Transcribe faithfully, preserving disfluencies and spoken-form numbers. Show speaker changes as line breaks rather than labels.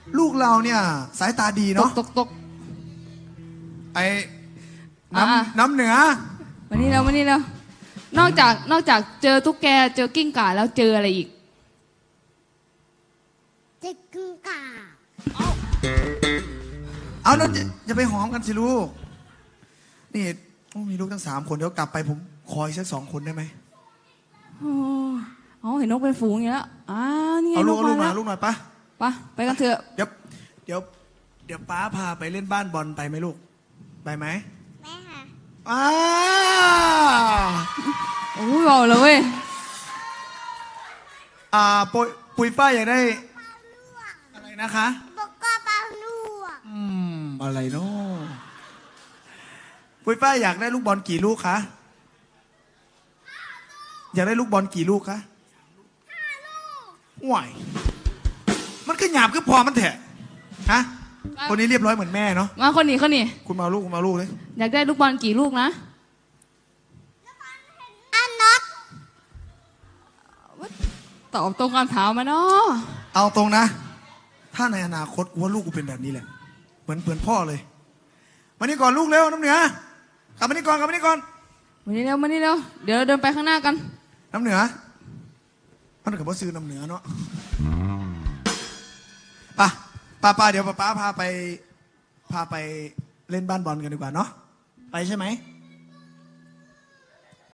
ลูกเราเนี่ยสายตาดี
ต
เนาะ
กตกตก
ไอ้
อ่ะ
น้ำน้ำเหนือ
มานี่แล้วมานี่แล้วนอกจากนอกจากเจอตุ๊กแกเจอกิ้งก่าแล้วเจออะไรอีก
เจ็กกึ่งก่า
เอาแล้วจะจะไปหอมกันสิลูกนี่โอ้มีลูกทั้งสามคนเดี๋ยวกลับไปผมคอยสักสองคนได้ไหม
อ๋ออ๋อเห็นนกเป็นฝูงอย่างนี้แล้วอ่านี่ไง
เอาลู
น
ก
ก
เอาลู
มาก
มา
แล้ว
ลูกหน่อยปะ
ไปไปกันเถอะ
เดี๋ยวเดี๋ยวเดี๋ยวป้าพาไปเล่นบ้านบอลไปไหมลูกไปไหม
แม่ค่ะ
อ้า
โอ้ยบอกเลยเว้ย
อ่าปุยปุยฝ้ายอยากได้อะไรนะคะ
บอกก็ปลาลวก
อืมอะไรเนาะปุยฝ้ายอยากได้ลูกบอลกี่ลูกคะอยากได้ลูกบอลกี่ลูกคะห่วยมันก็หยาบก็พอมันเถอะฮะคนนี้เรียบร้อยเหมือนแม่เนาะ
มาคนนี้คนนี้
คุณมาเอาลูกคุณมาเอาลูกเลย
อยากได้ลูกบอลกี่ลูกนะ
อันน็อต
ตอบตรงคำถามมาเนาะ
เอาตรงนะ ถ้าในอนาคตกูว่าลูกกูเป็นแบบนี้แหละเหมือนเพื่อนพ่อเลยมานี่ก่อนลูกเร็วน้ำเหนือกลับมานี่ก่อนกลับมานี่ก่อน
มานี่เร็วมานี่เร็วเดี๋ยวเราเดินไปข้างหน้ากัน
น้ำเหนือมันกับว่าซื้อน้ำเหนือเนาะป่ะป้าป้าเดี๋ยวป้าป้าพาไปพาไปเล่นบ้านบอลกันดีกว่าเนาะไปใช่ไหม